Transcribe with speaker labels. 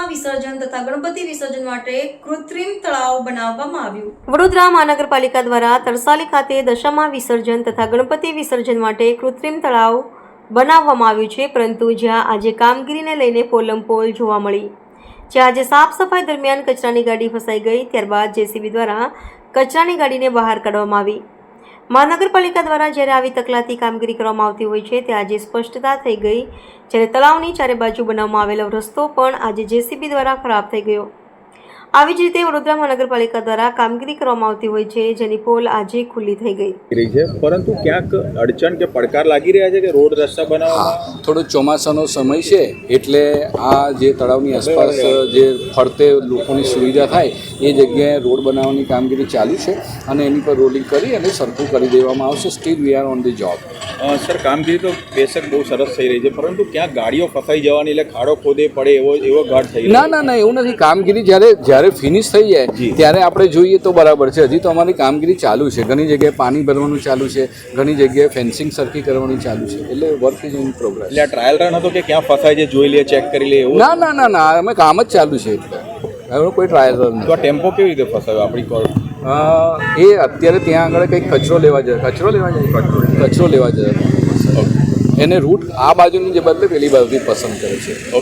Speaker 1: દશામા વિસર્જન તથા ગણપતિ વિસર્જન માટે કૃત્રિમ તળાવ બનાવવામાં આવ્યું।
Speaker 2: વડોદરા મહાનગરપાલિકા દ્વારા તરસાલી ખાતે દશામા વિસર્જન તથા ગણપતિ વિસર્જન માટે કૃત્રિમ તળાવ બનાવવામાં આવ્યું છે, પરંતુ જ્યાં આજે કામગીરીને લઈને પોલમપોલ જોવા મળી। જ્યાં આજે સાફ સફાઈ દરમિયાન કચરાની ગાડી ફસાઈ ગઈ, ત્યારબાદ જેસીબી દ્વારા કચરાની ગાડીને બહાર કાઢવામાં આવી। મહાનગરપાલિકા દ્વારા જ્યારે આવી તકલાતી કામગીરી કરવામાં આવતી હોય છે, ત્યાં આજે સ્પષ્ટતા થઈ ગઈ, જ્યારે તળાવની ચારે બાજુ બનાવવામાં આવેલો રસ્તો પણ આજે જેસીબી દ્વારા ખરાબ થઈ ગયો। આવી જ રીતે વડોદરા મહાનગરપાલિકા દ્વારા કામગીરી કરવામાં આવતી હોય છે, જેની પોલ આજે ખુલ્લી થઈ ગઈ
Speaker 3: છે, પરંતુ ક્યાંક અડચણ કે પડકાર લાગી રહ્યા છે કે રોડ રસ્તા બનાવવામાં
Speaker 4: થોડો ચોમાસાનો સમય છે, એટલે આ જે તળાવની આસપાસ જે ફરતે લોકોની સુવિધા થાય એ જગ્યાએ રોડ બનાવવાની કામગીરી ચાલુ છે અને એની પર રોલિંગ કરી અને સરખું કરી દેવામાં આવશે। Still we are on the job.
Speaker 3: Sir, કામગીરી તો બેશક બહુ સરસ થઈ રહી છે, પરંતુ ક્યાંક ગાડીઓ ફસાઈ જવાની એટલે ખાડો ખોદે પડે એવો ઘાટ થઈ રહ્યો
Speaker 4: ના ના એવું નથી। કામગીરી જ્યારે ફિનિશ થઈ જાય ત્યારે આપણે જોઈએ તો બરાબર છે। હજી તો અમારી કામગીરી ચાલુ છે, ઘણી જગ્યાએ પાણી ભરવાનું ચાલુ છે, ઘણી જગ્યાએ ફેન્સિંગ સરખી કરવાની ચાલુ છે, એટલે વર્ક ઇઝ ઇન પ્રોગ્રેસ।
Speaker 3: એટલે આ ટ્રાયલ રન હતો કે ક્યાં ફસાય છે જોઈ લે, ચેક કરી લે એવું?
Speaker 4: ના ના ના ના અમે કામ જ ચાલુ છે, એટલે હવે કોઈ ટ્રાયલ રન
Speaker 3: તો આ ટેમ્પો કેવી રીતે ફસાયો આપણી કોલ?
Speaker 4: એ અત્યારે ત્યાં આગળ કંઈક કચરો લેવા જાય એને રૂટ આ બાજુની જે બદલે પેલી બાજુથી પસંદ કરે છે।